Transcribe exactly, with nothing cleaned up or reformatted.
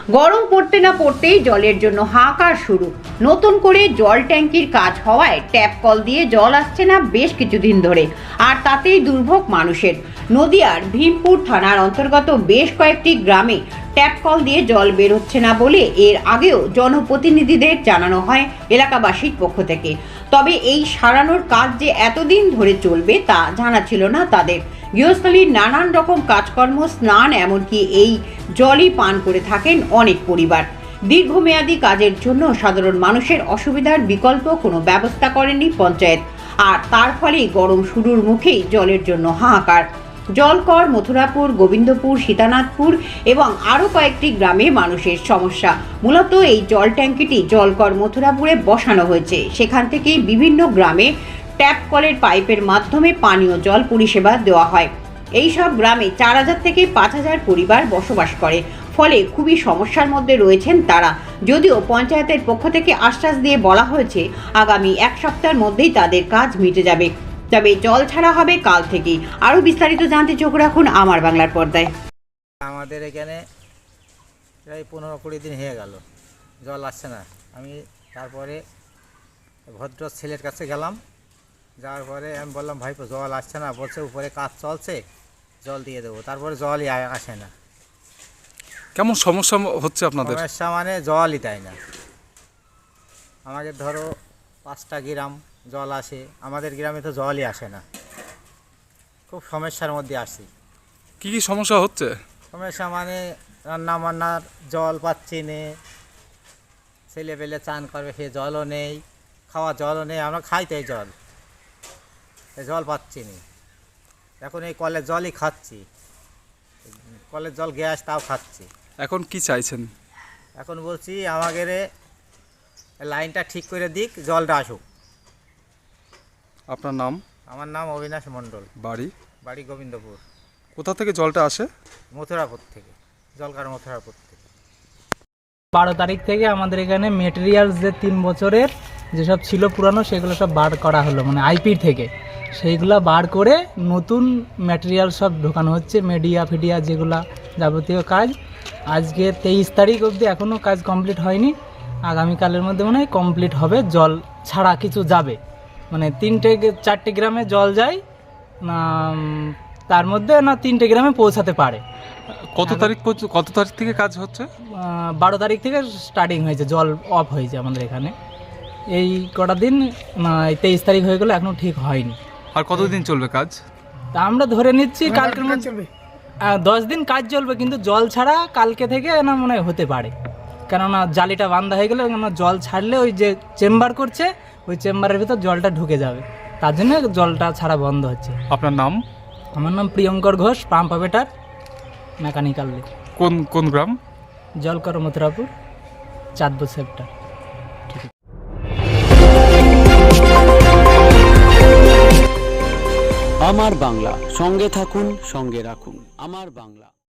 গরম পড়তে না পড়তেই জলের জন্য হাহাকার শুরু। নতুন করে জল ট্যাঙ্কির কাজ হওয়ায় ট্যাপ কল দিয়ে জল আসছে না বেশ কিছুদিন ধরে, আর তাতেই দুর্ভোগ মানুষের। নদিয়ার ভীমপুর থানার অন্তর্গত বেশ কয়েকটি গ্রামে ট্যাপ কল দিয়ে জল বের হচ্ছে না বলে এর আগেও জনপ্রতিনিধিদের জানানো হয় এলাকাবাসীর পক্ষ থেকে। তবে এই সারানোর কাজ যে এতদিন ধরে চলবে তা জানা ছিল না তাদের। গৃহস্থলীর নানান রকম কাজকর্ম, স্নান, এমনকি এই জলই পান করে থাকেন অনেক পরিবার। দীর্ঘমেয়াদী কাজের জন্য সাধারণ মানুষের অসুবিধার বিকল্প কোনো ব্যবস্থা করেনি পঞ্চায়েত, আর তার ফলেই গরম শুরুর মুখেই জলের জন্য হাহাকার। জলকর, মথুরাপুর, গোবিন্দপুর, সীতানাথপুর এবং আরও কয়েকটি গ্রামে মানুষের সমস্যা। মূলত এই জল ট্যাঙ্কিটি জলকর মথুরাপুরে বসানো হয়েছে। সেখান থেকেই বিভিন্ন গ্রামে ট্যাপ কলের পাইপের মাধ্যমে পানীয় জল পরিষেবা দেওয়া হয়। এই সব গ্রামে চার হাজার থেকে পাঁচ হাজার পরিবার বসবাস করে, ফলে খুবই সমস্যার মধ্যে রয়েছেন তারা। যদিও পঞ্চায়েতের পক্ষ থেকে আশ্বাস দিয়ে বলা হয়েছে আগামী এক সপ্তাহের মধ্যেই তাদের কাজ মিটে যাবে, তবে জল ছাড়া হবে কাল থেকেই। আরও বিস্তারিত জানতে চোখ রাখুন আমার বাংলার পর্দায়। আমাদের এখানে প্রায় পনেরো কুড়ি দিন হয়ে গেল জল আসছে না। আমি তারপরে ভদ্র ছেলের কাছে গেলাম, যাওয়ার পরে আমি বললাম, ভাইপো জল আসছে না। বলছে উপরে কাজ চলছে, জল দিয়ে দেবো। তারপরে জলই আসে না। কেমন সমস্যা হচ্ছে আপনাদের? সমস্যা মানে জলই দেয় না। আমাদের ধরো পাঁচটা গ্রাম জল আসে, আমাদের গ্রামে তো জলই আসে না। খুব সমস্যার মধ্যে আসি। কি কি সমস্যা হচ্ছে? সমস্যা মানে রান্না বান্নার জল পাচ্ছি নে, ছেলে পেলে চান করবে সে জলও নেই, খাওয়া জলও নেই। আমরা খাইতেই জল, জল পাচ্ছি না। এখন এই কলের জলই খাচ্ছি, কলের জল গ্যাস তাও খাচ্ছি। এখন কি চাইছেন? এখন বলছি আমাদের লাইনটা ঠিক করে দিক, জলটা আসুক। আপনার নাম? আমার নাম অবিনাশ মণ্ডল। বাড়ি? বাড়ি গোবিন্দপুর। কোথা থেকে জলটা আসে? মথুরাপুর থেকে, জলকার মথুরাপুর থেকে। বারো তারিখ থেকে আমাদের এখানে মেটেরিয়ালস যে তিন বছরের যেসব ছিল পুরানো সেগুলো সব বার করা হলো, মানে আইপির থেকে সেইগুলো বার করে নতুন ম্যাটেরিয়াল সব ঢোকানো হচ্ছে। মিডিয়া ফিডিয়া যেগুলা যাবতীয় কাজ আজকে তেইশ তারিখ অবধি এখনও কাজ কমপ্লিট হয়নি। আগামীকালের মধ্যে মনে হয় কমপ্লিট হবে। জল ছাড়া কিছু যাবে, মানে তিনটে চারটে গ্রামে জল যায় না, তার মধ্যে না তিনটে গ্রামে পৌঁছাতে পারে। কত তারিখ কত তারিখ থেকে কাজ হচ্ছে? বারো তারিখ থেকে স্টার্টিং হয়েছে, জল অফ হয়েছে আমাদের এখানে। এই কটা দিন তেইশ তারিখ হয়ে গেলো, এখনও ঠিক হয়নি। আর কতদিন চলবে কাজ? তা আমরা ধরে নিচ্ছি কালকের মধ্যে চলবে, দশ দিন কাজ চলবে, কিন্তু জল ছাড়া কালকে থেকে না মনে হয় হতে পারে। কেননা জালিটা বান্ধা হয়ে গেলে, কেননা জল ছাড়লে ওই যে চেম্বার করছে ওই চেম্বারের ভিতর জলটা ঢুকে যাবে, তার জন্য জলটা ছাড়া বন্ধ হচ্ছে। আপনার নাম? আমার নাম Priyankar Ghosh, pump operator, mechanical. কোন কোন গ্রাম? জলকর মথুরাপুর, চাঁদপুর সেক্টর। আমার বাংলা, সঙ্গে থাকুন, সঙ্গে রাখুন আমার বাংলা।